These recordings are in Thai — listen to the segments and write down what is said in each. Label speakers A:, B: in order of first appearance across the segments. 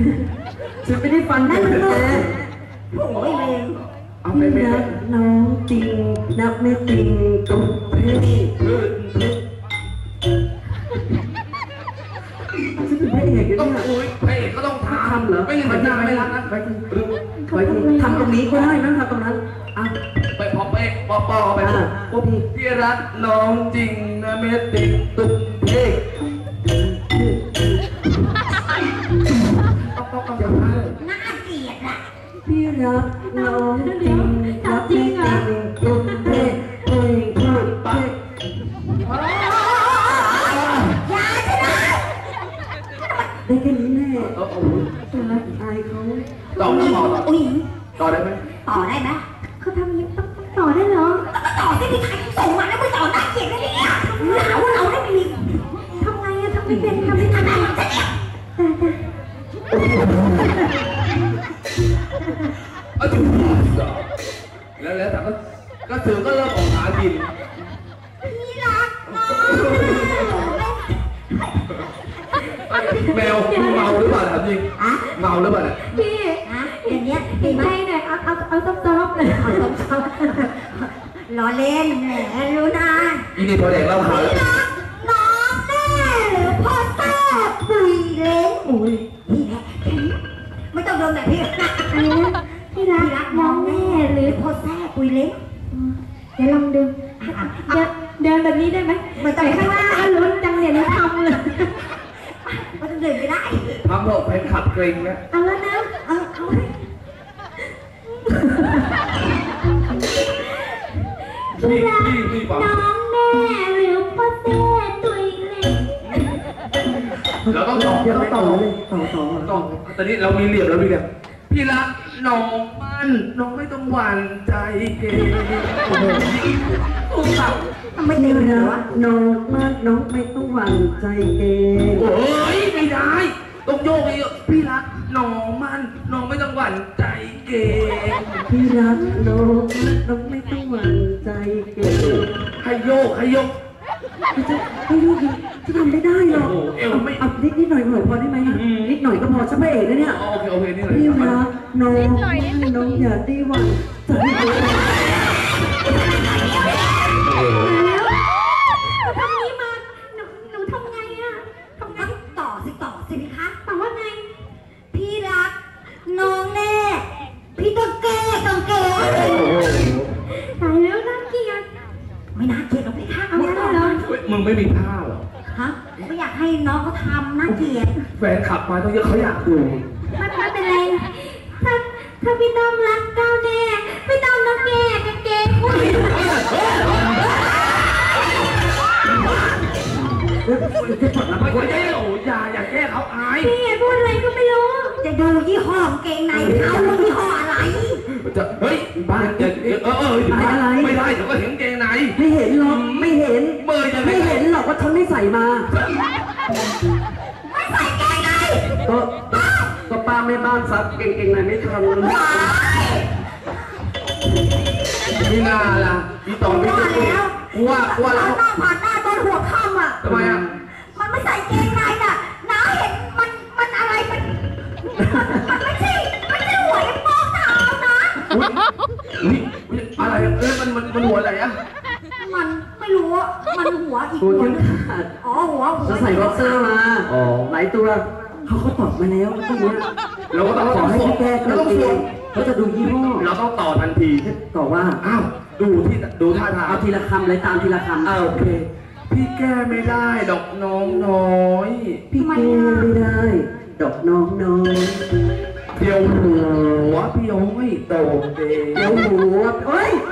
A: ฉันไม่ได้ฟันนั่นแก
B: โอ้ยเลง
A: เอาไปนับน้องจริงนับไม่จริงตุ๊กเพ่ฉันเป็นพระเอกต้อง
C: อุ้ยพระเอกก็ต้องทำเหรอไม่ทำไม่รักนะไป
A: ทำตรงนี้ก็ได้นะทำตรงนั้นอ่ะ
C: ไปพอไปปอไปปุ๊บพี่รักน้องจริงนะเมตติตุ๊กเพ่
B: น่าเกลียดอ่ะ
A: พี่รักน้องจริงรักไม่จริงตุ๊กเพ่เพ่ตุ๊กเพ่
B: ยาชนะ
A: ได้แค่นี้แน่อายเขา
C: ต่อ
B: อุ้ย
C: ต่อได้ไหม
B: ต่อได้ไหมเขาทำนี้ต้องต่อได้เหรอต่อได้มีใครส่งมาแล้วมึงต่อน่าเกลียดเลยเนี่ยหาว่าเราได้มีทำไงอะทำไม่เป็นทำไม่ทันแต่
C: แล้วแต่ก็ถือก็เริ่มออกหากิน
B: พี่รักน้อง
C: แมวเมาหรือเปล่าถามจริงเมาหรือเปล่า
B: พี่อย่างเงี้ยตีใจหน่อยเอาซอฟๆเลยเอาซอฟๆล้อเล่นแหมรู้นะ
C: อีนี่พอแดกเล่าข่าวแล้ว
B: น้องแม่หรือพ่อแซ่บปุยเล้งอุ้ยไม่ต้องโดนแบบพี่พี่รักน้องแม่หรือพ่อแซ่บปุยเล้งเดี๋ยวลองดูเดินแบบนี้ได้ไหมไม่ต้องข้างหน้าลุ้นจังเนี่ยทำเลยมันเดินไม่ได้
C: ทำเถอะแฟนขับเกรงนะ
B: เอาแล้วนะเอา
C: พี่
B: น้องแม่หรือพ่อแซ่ตุยเล็ก
C: เราต้องต่อตอนนี้เรามีเหลี่ยมแล้วพี่เนี่ยพี่รักน้องมันน้องไม่ต้องหวั่นใจเกย์
B: ไม่เต็มเลยวะ
A: น้องมันน้องไม่ต้องหวั่นใจเกย์
C: โอ้ยไม่ได้ต้องโยกเยอะพี่รักน้องมันน้องไม่ต้องหวั่นใจเกย์
A: พี่รักน้องไม่ต้องหวั่นใจเกย์
C: ให้โยก
A: จะทำได้หรอเอานิดหน่อยพอได้ไหมนิดหน่อยก็พอฉันพระเอกนะเนี่ย
C: โอเคนิดหน่อย
A: พี่รักน้องอย่าได้หวั่นใจ
B: ทำนี้มาหนูทำไงอะทำไงต่อสิพี่คะต่อว่าไงพี่รักน้องแน่พี่ต้องแก้ตายแล้วน่าเกลียดไม่น่าเกลียดหรอกพี่คะเอาได้เหรอ
C: มึงไม่มีท่าหรอ
B: ฮะไม่อยากให้น้องเขาทำน่าเกลียด
C: แฟนขับมาต้องเยอะเขาอยากดู
B: ไม่เป็นไรถ้าพี่ต้อมรักเก้าแน่พี่ต้อมต้องแก้กางเกงคุย
C: อย่าแก้เขาอาย
B: พี่พูดอะไรก็ไม่รู้จะดูยี่ห้อกางเกงในเขายี่ห้ออะไร
C: จะเฮ้ยบ้านอะไรไม่ได้เดี๋ยวก็เห็นเกงใน
A: ไม่เห็นหรอกไม่เห็นไม่เห็นหรอกว่าฉันไม่ใส่มา
B: ไม่ใส่เกงใน
A: ก็ป้าแม่บ้านซักเกงในไม่ทัน
C: นี่นาล่ะอีต่อไม่ถูกว่า
B: แล้วผ่านหน้าต้นหัวค่ำอ่ะ
C: ทำไมอ่ะ
B: มันไม่ใส่เกงในน่ะน้าเห็นมันอะไรมันไม่ใช่หัวไอ้โป้งเท้านะ
C: อะไรมันหัวอะไรอ่ะ
B: มันไม่รู้มันหัวอีกหัวนึงหัว
A: จะใส่บ็อกเซอร์มาหลายตัวเขาตอบมาแล้วพวกนี้
C: เราก็ต้อง
A: ขอให้พี่แก้ตัวเองเขาจะดูยี่ห้อ
C: เราต้องต่อทันที
A: ต่อว่า
C: อ้าวดูท่าทาง
A: เอาทีละคำเลยตามทีละคำ
C: โอเคพี่แก้ไม่ได้ดอกน้องน้อย
A: พี่แก้ไม่ได้ดอกน้องน้อย
C: เดี๋ยวหัวพี่ย้อยโตเด
A: เดี๋ยวหัวเฮ้ย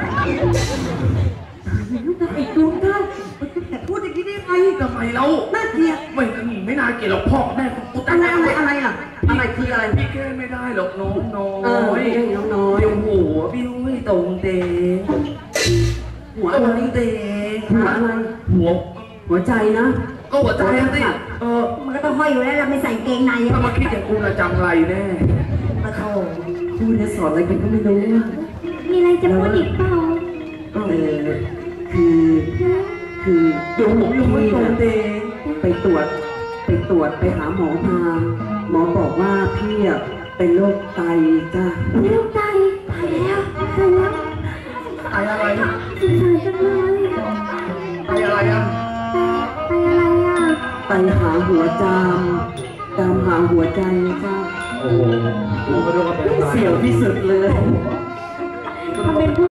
A: ไอ้ดวงท่านพูดอย่างนี้ได้ไง
C: ทำไมเรา
A: น่าเกลียด
C: ไม่น่าเกลียดหรอกพ่อแม่กู
A: อะไรอ่ะอะไรคืออะไร
C: พี่แก้ไม่ได้หรอกน้องน้อย
A: น้องน้อย
C: เดี๋ยวหัวพี่ย้อยโตเด
A: หัวอะไรเดหัวอะไรหัวใจนะ
C: ก็หัวใจสิ
B: มันก็ต้องห้อยอยู่แล้วเราไม่ใส่เกงใน
C: ถ้ามาคิดอย่างกูจะจำไรแน่
B: ปะโถ
A: พูดแล้วสอนอะไรกันก็ไม่รู้
B: มีอะไรจะพูดอีกเปล่า
A: คือเดี๋ยวผมยังไม่ตรงเตไปตรวจไปหาหมอมาหมอบอกว่าพี่อะเป็นโรคไตจ้ะ
B: ไม่ต้องใจตายแล้วตายแล้ว
C: ไออะไร
B: สงสารจังเลย
C: ไออะไรอ่ะ
B: ตายอะไรอ่ะ
A: ไตหาหัวจามหาหัวใจจ้ะ
C: โอ้โหรู้ก็รู้ว่าเป็นอะไร
A: เสี่ยวที่สุดเลย
B: ทำเป็น